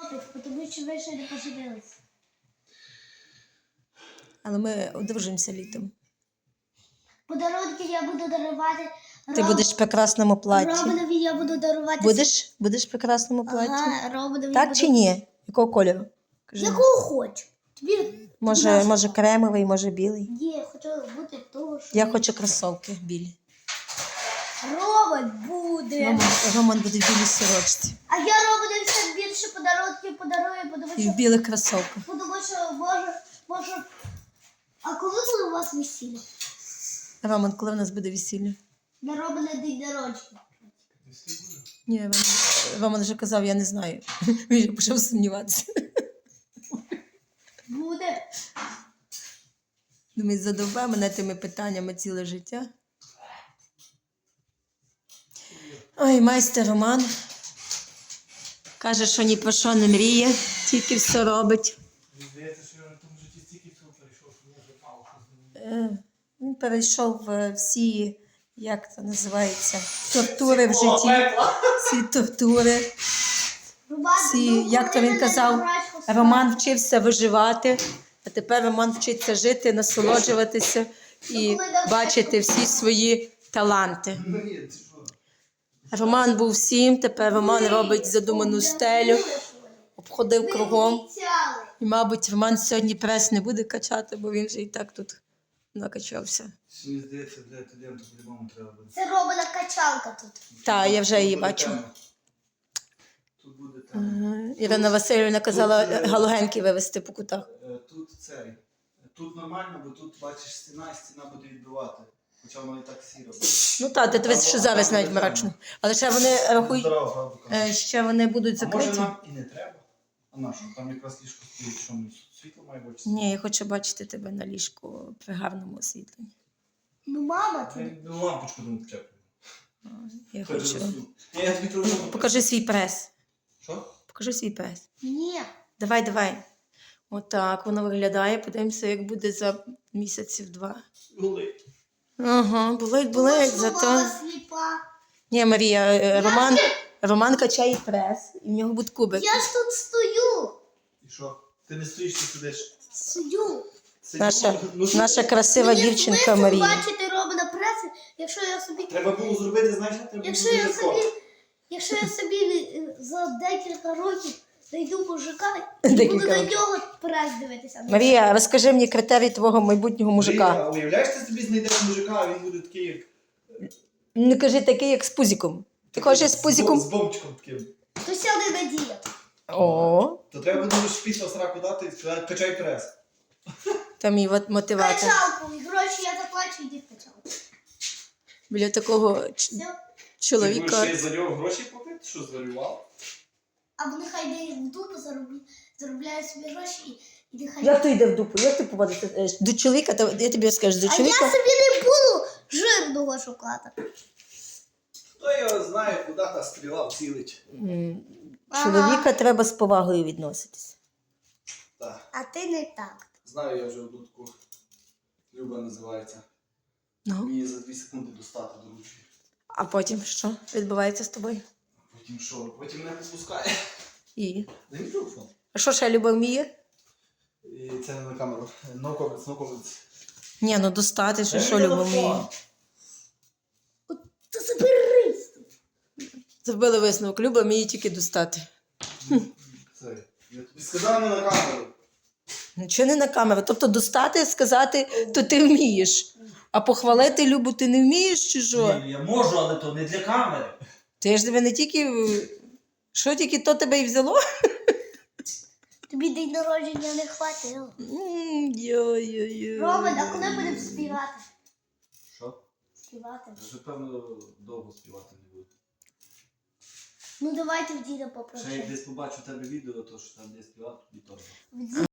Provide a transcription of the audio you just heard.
хлопець, тому що ви ще не поженилися. Але ми одружимося літом. Подарунки я буду дарувати. Ти будеш в прекрасному платі. Робинові я буду дарувати. Будеш в прекрасному платі? Ага, Робинові Так буду... чи ні? Якого кольору? Кажи. Якого хочу. Тобі... Може кремовий, може білий? Ні, я хочу бути того, що... Я хочу кросовки білі. Роман буде. Роман буде в білій сорочці. А я Романові все більше подарунків подарую, тому І що... в білих кросовках. Тому що може... А коли буде у вас весілля? Роман, коли в нас буде весілля? На Романа день народження. Ні, Роман вже казав, я не знаю. Він вже почав сумніватися. Буде. Думаю, задовбе мене тими питаннями ціле життя. Ой, майстер Роман. Каже, що ні про що не мріє, тільки все робить. Здається, що я на тому житті стільки всього перейшов, що я вже мало що з ним. Він перейшов всі, як це називається, тортури в житті. Всі тортури. Всі, як то він казав, Роман вчився виживати, а тепер Роман вчиться жити, насолоджуватися і бачити всі свої таланти. Ну ні, ти що? Роман був всім, тепер Роман робить задуману стелю, обходив кругом. І, мабуть, Роман сьогодні прес не буде качати, бо він вже і так тут накачався. Мені здається, для студенту по-любому треба буде. Це Романа качалка тут. Так, я вже її бачу. Тут буде там. Ірина Васильівна казала галогенки вивезти по кутах. Тут цей. Тут нормально, бо тут бачиш стіна буде відбивати. Хоча воно і так сіро буде. Ну так, ти дивись, що зараз навіть мрачно. Але ще вони рахують, Здорово, правда, кажу. ще вони будуть А може закриті. нам і не треба? А на що? Там якраз ліжко стоїть, що ми світло має бути? Ні, я хочу бачити тебе на ліжку при гарному освітленні. Ну, мама, ти... Ну, лампочку там вчеплю. Я хочу. Я тобі телефон. Покажи свій прес. Що? Покажи свій прес. Ні. Давай. Отак воно виглядає. Подивимося, як буде за місяців 2. Болить. Ага, болить, Мама зато... сліпа. Ні, Марія, Роман качає прес, і в нього буде кубик. Я ж тут стою. І що? Ти не стоїш, ти сидиш. Стою. Наша красива Мені дівчинка смисл Марія. бачити Романа преси, якщо я собі... Треба було зробити, знаєш, треба було Якщо я собі за декілька років знайду мужика і Декілька буду на років. нього прес дивитися. Марія, розкажи мені критерії твого майбутнього мужика. А уявляєш, ти собі знайдеш мужика, а він буде такий, як... Не кажи такий, як з пузиком. Ти хочеш з пузиком? З бомбчиком таким. То сяде Надія. О, То треба буде після сраку дати і сказати, качай прес. там і мотиватор. Качалку. І гроші я заплачу, йди в качалку. Біля такого Все. Ти чоловіка. будеш ще за нього гроші платити? Що зварював? Або нехай йде в дупу, заробляє собі гроші і нехай... Як ти йде в дупу? Як ти поводишся? До чоловіка, я тобі розкажу, до А я чоловіка. собі не буду жирного шукати. Хто його знає, куди та стріла вцілить. Чоловіка треба з повагою відноситися. Так. А ти не так. Знаю я вже одну таку. Люба називається. Ну, Мені за 2 секунди достати до ручки. а потім що відбувається з тобою? Потім що? Потім мене попускає. І? Дай мій телефон. А що ще Люба вміє? І це не на камеру. No comments, no comments. Ні, ну достати, що Дай мій Люба телефон. вміє. То заберись. Зробили висновок, Люба вміє тільки достати. Це, я тобі сказав не на камеру. Нічого не на камеру. Тобто достати, сказати, то ти вмієш. А похвалити Любу ти не вмієш чи що? Ні, я можу, але то не для камери. Ти ж тебе не тільки... Що тільки то тебе і взяло? Тобі день народження не хватило. Йо-йо-йо. Роман, а коли будемо співати? Що? Співати. Вже певно довго співати не буду. Ну давайте в діда Ще як попросимо. десь побачу в тебе відео, то що там десь співати, тобі теж.